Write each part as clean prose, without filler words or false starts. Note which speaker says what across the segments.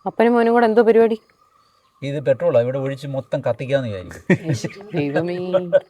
Speaker 1: അപ്പനും മോനും കൂടെ എന്തോ പരിപാടി?
Speaker 2: ഇത് പെട്രോളാണ്, ഇവിടെ ഒഴിച്ച് മൊത്തം കത്തിക്കാന്ന് വിചാരിക്കും.
Speaker 1: ദൈവമേ.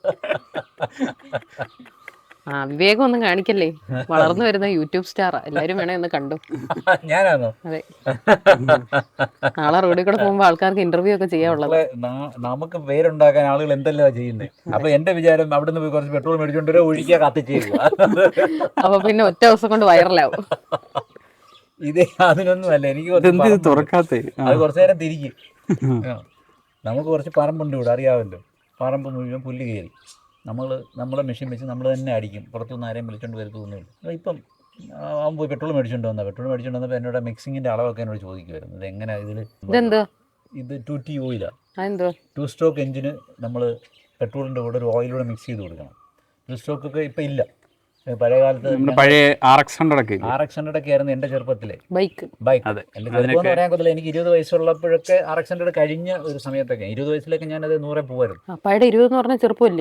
Speaker 1: വിവേകം ഒന്നും കാണിക്കല്ലേ, വളർന്നു വരുന്ന യൂട്യൂബ് സ്റ്റാറാ, എല്ലാരും വേണേ ഒന്ന് കണ്ടു.
Speaker 2: ഞാനാണോ?
Speaker 1: അതെ, നാളെ റോഡിൽ കൂടെ പോകുമ്പോ ആൾക്കാർക്ക് ഇന്റർവ്യൂ ഒക്കെ ചെയ്യാനുള്ളത്.
Speaker 2: നമുക്ക് പേരുണ്ടാക്കാൻ ആളുകൾ എന്തെല്ലാം ചെയ്യുന്നത്. അപ്പൊ എന്റെ വിചാരം അവിടെ നിന്ന് പോയി കുറച്ച് പെട്രോൾ മേടിച്ചോണ്ട് ഒഴിക്കുക, കത്തിച്ചേക്കുക.
Speaker 1: അപ്പൊ പിന്നെ ഒറ്റ ദിവസം കൊണ്ട് വൈറലാവും.
Speaker 2: ഇതേ അതിനൊന്നും അല്ല, എനിക്ക് അത് കുറച്ചു നേരം തിരിക്കും. നമുക്ക് കുറച്ച് പറമ്പുണ്ട് ഇവിടെ, അറിയാമല്ലോ. പറമ്പ് മുഴുവൻ പുല്ല് കയറി നമ്മളെ മെഷീൻ വെച്ച് നമ്മൾ തന്നെ അടിക്കും. പുറത്തുനിന്ന് ആരെയും വിളിച്ചോണ്ട് വരുത്തൊന്നുമില്ല. ഇപ്പം അവൻ പോയി പെട്രോൾ മേടിച്ചോണ്ട് വന്നപ്പോൾ എന്നോട് മിക്സിങ്ങിന്റെ അളവൊക്കെ എന്നോട് ചോദിക്കുമായിരുന്നു. ഇത് എങ്ങനെയാ ഇത് 2T ഓയിലാണ്. 2 സ്ട്രോക്ക് എഞ്ചിന് നമ്മൾ പെട്രോളിൻ്റെ കൂടെ ഒരു ഓയിലൂടെ മിക്സ് ചെയ്ത് കൊടുക്കണം. 2 സ്ട്രോക്കൊക്കെ ഇപ്പം ഇല്ല. പഴയ കാലത്ത്
Speaker 3: പഴയ RX100
Speaker 2: ഒക്കെ ആയിരുന്നു എൻ്റെ ചെറുപ്പത്തിലെ
Speaker 1: ബൈക്ക്.
Speaker 2: എൻ്റെ ചെറുപ്പം എന്ന് പറയാൻ പറ്റില്ല, എനിക്ക് 20 വയസ്സുള്ളപ്പോഴൊക്കെ RX100 കഴിഞ്ഞ ഒരു സമയത്തൊക്കെ 20 വയസ്സിലൊക്കെ ഞാനത് 100 പോവായിരുന്നു.
Speaker 1: അപ്പായുടെ 20 എന്ന് പറഞ്ഞാൽ ചെറുപ്പമല്ലേ?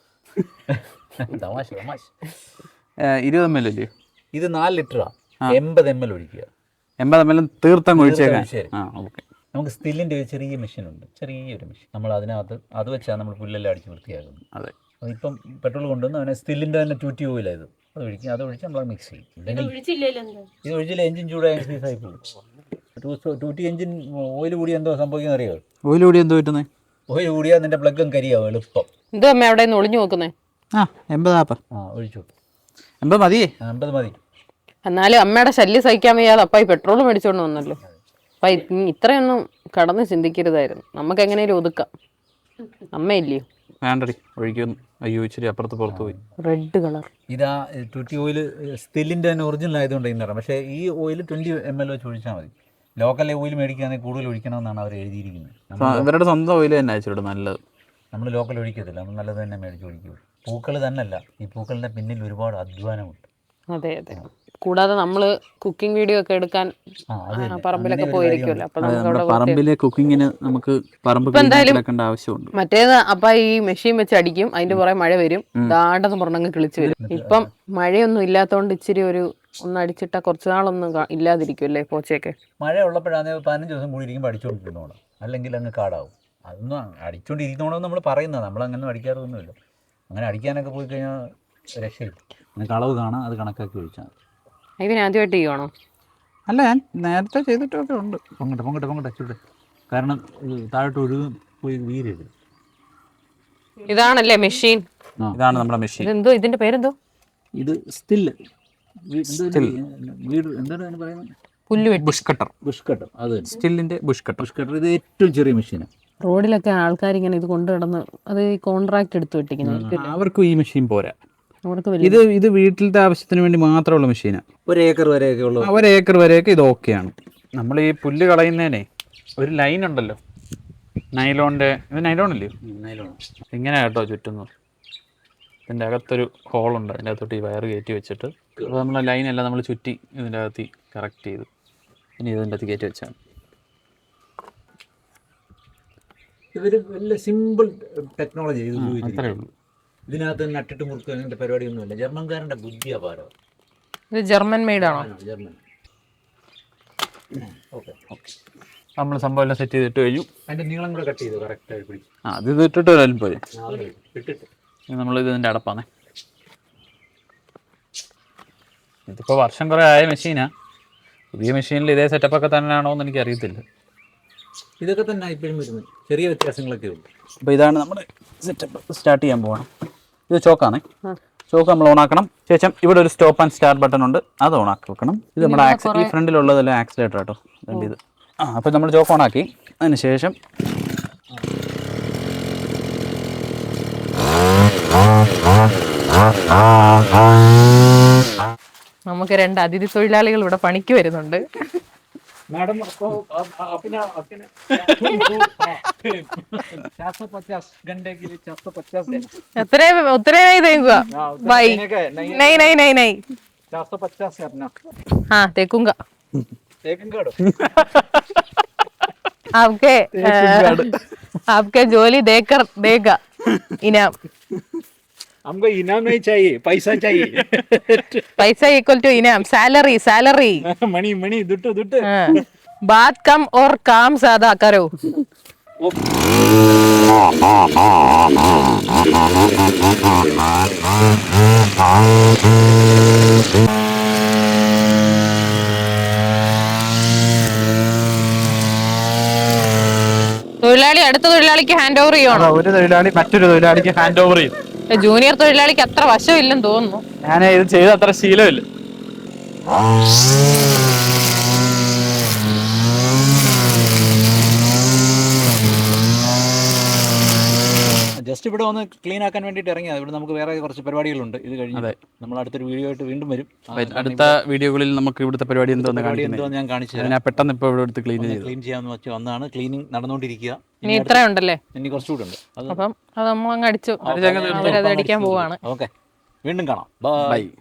Speaker 2: തമാശ
Speaker 3: 20 ml അല്ലേ
Speaker 2: ഇത്? 4 ലിറ്ററാണ്. 80 ml ഒഴിക്കുക.
Speaker 3: 80 ml തീർത്തങ്ങ് ഒഴിച്ചേക്കാം.
Speaker 2: നമുക്ക് സ്റ്റില്ലിൻ്റെ ഒരു ചെറിയ മെഷീനുണ്ട്, ചെറിയൊരു മെഷീൻ. നമ്മൾ അതിനകത്ത് അത് വെച്ചാണ് നമ്മൾ പുല്ലെല്ലാം അടിച്ച് വൃത്തിയാക്കുന്നത്.
Speaker 3: അതെ,
Speaker 2: ഇപ്പം പെട്രോൾ കൊണ്ടുവന്ന് അവനെ സ്റ്റില്ലിൻ്റെ തന്നെ 2T ഓയിലായത് അത് ഒഴിച്ച് നമ്മൾ മിക്സ് ചെയ്യും. ഇത് ഒഴിച്ചില്ല എഞ്ചിൻ ചൂടായി ആയി പോകും. 2T എഞ്ചിൻ ഓയിൽ കൂടി എന്തോ സംഭവിക്കുന്ന അറിയോ?
Speaker 3: ഓയിൽ കൂടി എന്തോ പറ്റുന്നത്?
Speaker 2: ഓയിൽ കൂടിയാൽ നിന്റെ പ്ലഗും കരിയാവും എളുപ്പം.
Speaker 1: എന്തോ അമ്മ അവിടെ നിന്ന് ഒളിഞ്ഞു നോക്കുന്നേ?
Speaker 3: 80
Speaker 2: ഒഴിച്ചു
Speaker 3: 80 മതിയേ?
Speaker 2: 50 മതി.
Speaker 1: എന്നാലും അമ്മയുടെ ശല്യം സഹിക്കാൻ വയ്യാതെ അപ്പായി പെട്രോൾ മേടിച്ചോണ്ട് വന്നല്ലോ. അപ്പ ഇത്രയൊന്നും കടന്ന് ചിന്തിക്കരുതായിരുന്നു. നമുക്ക് എങ്ങനെയും ഒതുക്കാം. അമ്മയില്ലയോ?
Speaker 3: വേണ്ടടി, ഒഴിക്കുന്നു. അയ്യോ, ഇച്ചിരി അപ്പുറത്ത് പുറത്ത് പോയി.
Speaker 1: റെഡ് കളർ
Speaker 2: ഇതാ 2T ഓയിൽ സ്റ്റില്ലിൻ്റെ തന്നെ ഒറിജിനൽ ആയതുകൊണ്ട് ഇന്നറിയാം. പക്ഷേ ഈ ഓയിൽ 20 ml വെച്ച് ഒഴിച്ചാൽ മതി. ലോക്കൽ ഓയിൽ മേടിക്കുകയാണെങ്കിൽ കൂടുതൽ ഒഴിക്കണമെന്നാണ് അവർ എഴുതിയിരിക്കുന്നത്.
Speaker 3: ഇവരുടെ സ്വന്തം ഓയിൽ തന്നെ അയച്ചിട്ട് നല്ലത്.
Speaker 2: നമ്മൾ ലോക്കൽ ഒഴിക്കത്തില്ല, നമ്മൾ നല്ലത് തന്നെ മേടിച്ച് ഒഴിക്കുക. പൂക്കൾ തന്നെയല്ല, ഈ പൂക്കളുടെ പിന്നിൽ ഒരുപാട് അധ്വാനമുണ്ട്.
Speaker 1: അതെ. കൂടാതെ നമ്മള് കുക്കിംഗ് വീഡിയോ ഒക്കെ എടുക്കാൻ പറമ്പിലൊക്കെ പോയിരിക്കുമല്ലോ. അപ്പൊ നമുക്ക്
Speaker 3: പറമ്പിലെ കുക്കിങ്ങിന് നമുക്ക് പറമ്പ് ആവശ്യമുണ്ട്.
Speaker 1: മറ്റേത് അപ്പ ഈ മെഷീൻ വെച്ച് അടിക്കും, അതിന്റെ പുറകെ മഴ വരും, ദാണ്ടെന്ന് പറഞ്ഞങ്ങ് കിളിച്ച് വരും. ഇപ്പം മഴയൊന്നും ഇല്ലാത്തതുകൊണ്ട് ഇച്ചിരി ഒന്ന് അടിച്ചിട്ടാ കുറച്ച് നാളൊന്നും ഇല്ലാതിരിക്കുമല്ലേ പോച്ചയൊക്കെ.
Speaker 2: മഴ ഉള്ളപ്പോഴാണെങ്കിൽ 15 ദിവസം കൂടി ഇരിക്കുമ്പോൾ അടിച്ചുകൊണ്ടിരുന്നോണം, അല്ലെങ്കിൽ അങ്ങ് കാടാവും. അതൊന്നും അടിച്ചുകൊണ്ടിരിക്കണമെന്ന് നമ്മൾ പറയുന്നത്, നമ്മളങ്ങനെ അടിക്കാറൊന്നുമില്ല. അങ്ങനെ അടിക്കാനൊക്കെ പോയി കഴിഞ്ഞാൽ രക്ഷയില്ല. നിങ്ങൾക്ക് അളവ് കാണാം, അത് കണക്കാക്കി ഒഴിച്ചാൽ മതി.
Speaker 1: ആദ്യമായിട്ട് ചെയ്യുവാണോ?
Speaker 3: അല്ല, ഞാൻ നേരത്തെ ചെയ്തിട്ടൊക്കെ ഉണ്ട്.
Speaker 2: പൊങ്ങട്ടെ ചൂട്. കാരണം താഴോട്ട് ഒഴുകും പോയി വീരരുത്.
Speaker 1: ഇതാണല്ലേ മെഷീൻ?
Speaker 3: ഇതാണ് നമ്മുടെ മെഷീൻ.
Speaker 1: എന്തോ ഇതിന്റെ പേരെന്തോ?
Speaker 2: ഇത് സ്റ്റില്ല്. എന്താണ് പറയുന്നത്?
Speaker 1: പുല്ലുവെട്ടി.
Speaker 3: Bush cutter. അത് സ്റ്റില്ലിന്റെ ബുഷ് കട്ടർ.
Speaker 2: ഇത് ഏറ്റവും ചെറിയ മെഷീനാണ്.
Speaker 1: റോഡിലൊക്കെ ആൾക്കാർ ഇങ്ങനെ ഇത് കൊണ്ടു കിടന്ന് അത് കോൺട്രാക്ട് എടുത്ത് വെട്ടിക്കുന്നത്.
Speaker 3: അവർക്കും ഈ മെഷീൻ പോരാ. ഇത് വീട്ടിലത്തെ ആവശ്യത്തിന് വേണ്ടി മാത്രമുള്ള മെഷീനാണ്.
Speaker 2: 1 ഏക്കർ വരെയൊക്കെ ഉള്ളു.
Speaker 3: 1 ഏക്കർ വരെയൊക്കെ ഇത് ഓക്കെയാണ്. നമ്മൾ ഈ പുല്ല് കളയുന്നതിനെ ഒരു ലൈൻ ഉണ്ടല്ലോ, നൈലോണിൻ്റെ. ഇത് നൈലോണല്ലേ?
Speaker 2: നൈലോൺ.
Speaker 3: ഇങ്ങനെ കേട്ടോ ചുറ്റുന്നത്. ഇതിൻ്റെ അകത്തൊരു ഹോളുണ്ട്, അതിൻ്റെ അകത്തോട്ട് ഈ വയർ കയറ്റി വെച്ചിട്ട് അപ്പോൾ നമ്മളെ ലൈനെല്ലാം നമ്മൾ ചുറ്റി ഇതിൻ്റെ അകത്ത് കറക്റ്റ് ചെയ്തു. ഇനി ഇതിൻ്റെ അകത്ത് കയറ്റി വെച്ചാൽ
Speaker 2: ഇതൊരു വലിയ സിമ്പിൾ ടെക്നോളജി.
Speaker 3: അത്രേ ഉള്ളൂ.
Speaker 2: ഇതിനകത്ത് നട്ടിട്ട് മുറുക്കുക അങ്ങനത്തെ പരിപാടിയൊന്നുമില്ല. ജർമ്മൻകാരൻ്റെ ബുദ്ധി അപാരം.
Speaker 1: ഇത് ജർമ്മൻ മെയ്ഡാണോ?
Speaker 2: ജർമ്മൻ. ഓക്കെ.
Speaker 3: നമ്മൾ സംഭവം എല്ലാം സെറ്റ് ചെയ്തിട്ട് കഴിഞ്ഞു.
Speaker 2: അതിൻ്റെ നീളം കൂടെ കട്ട് ചെയ്തു കറക്റ്റായി പിടിച്ചു.
Speaker 3: അത് ഇട്ടിട്ട് വരാനും പോരെ.
Speaker 2: ഇട്ടിട്ട്
Speaker 3: നമ്മളിത് ഇതിൻ്റെ അടപ്പാണ്. ഇതിപ്പോൾ വർഷം കുറേ ആയ മെഷീനാണ്. പുതിയ മെഷീനിൽ ഇതേ സെറ്റപ്പൊക്കെ തന്നെയാണോ എന്ന് എനിക്കറിയത്തില്ല.
Speaker 2: ഇതൊക്കെ തന്നെ ഇപ്പോഴും വരുന്നത്, ചെറിയ വ്യത്യാസങ്ങളൊക്കെ ഉണ്ട്.
Speaker 3: അപ്പോൾ ഇതാണ് നമ്മുടെ സെറ്റപ്പ്. സ്റ്റാർട്ട് ചെയ്യാൻ പോകണം. ഇത് ചോക്കാണേ. ചോക്ക് നമ്മൾ ഓണാക്കണം. ശേഷം ഇവിടെ ഒരു സ്റ്റോപ്പ് ആൻഡ് സ്റ്റാർട്ട് ബട്ടൺ ഉണ്ട്, അത് ഓണാക്കി വെക്കണം. ഇത് നമ്മുടെ ഈ ഫ്രണ്ടിലുള്ളതെല്ലാം ആക്സിലേറ്റർ കേട്ടോ. ഇത് അപ്പോൾ നമ്മൾ ചോക്ക് ഓണാക്കി. അതിന് ശേഷം
Speaker 1: നമുക്ക് 2 അതിഥി തൊഴിലാളികൾ ഇവിടെ പണിക്ക് വരുന്നുണ്ട്.
Speaker 2: मैडम आपको अपना 450 घंटे के लिए 450 देना.
Speaker 1: उतरे नहीं देगा भाई. नहीं नहीं नहीं नहीं
Speaker 2: 450 है अपना.
Speaker 1: हाँ देखूंगा. आपके जोली देकर देगा इनाम.
Speaker 2: हमको इनाम नहीं चाहिए, पैसा चाहिए.
Speaker 1: पैसा इक्वल टू इनाम. Salary salary.
Speaker 2: मनी मनी दुट्टू दुट्टू.
Speaker 1: बात कम और काम ज्यादा करो. തൊഴിലാളി അടുത്ത തൊഴിലാളിക്ക് ഹാൻഡ് ഓവർ ചെയ്യണോ?
Speaker 3: ഒരു തൊഴിലാളി മറ്റൊരു തൊഴിലാളിക്ക് ഹാൻഡ് ഓവർ ചെയ്യും.
Speaker 1: ജൂനിയർ തൊഴിലാളിക്ക് അത്ര വശമില്ലെന്ന് തോന്നുന്നു.
Speaker 3: ഞാൻ ഇത് ചെയ്ത അത്ര ശീലമില്ല.
Speaker 2: ജസ്റ്റ് ഇവിടെ ഒന്ന് ക്ലീൻ ആക്കാൻ വേണ്ടിയിട്ട് ഇറങ്ങിയത്. ഇവിടെ നമുക്ക് വേറെ കുറച്ച് പരിപാടികളുണ്ട്. ഇത് കഴിഞ്ഞ് നമ്മൾ അടുത്തൊരു വീഡിയോ ആയിട്ട് വീണ്ടും വരും.
Speaker 3: അടുത്ത വീഡിയോകളിൽ നമുക്ക് ഇവിടുത്തെ പരിപാടി എന്തോന്ന്
Speaker 2: ഞാൻ കാണിച്ചു.
Speaker 3: ഞാൻ പെട്ടെന്ന് ഇപ്പോൾ ഇവിടെ എടുത്ത് ക്ലീൻ
Speaker 2: ചെയ്യാമെന്ന് വെച്ച് വന്നാണ്. ക്ലീനിങ് നടന്നുകൊണ്ടിരിക്കുക.
Speaker 1: ഇനി ഇത്രയുണ്ടല്ലേ?
Speaker 2: ഇനി കുറച്ചുകൂടെ ഉണ്ട്.
Speaker 1: അപ്പം അത് നമ്മളങ്ങ് അടിച്ചു, അവരത് അടിക്കാൻ പോവാണ്.
Speaker 2: ഓക്കെ, വീണ്ടും കാണാം. ബൈ.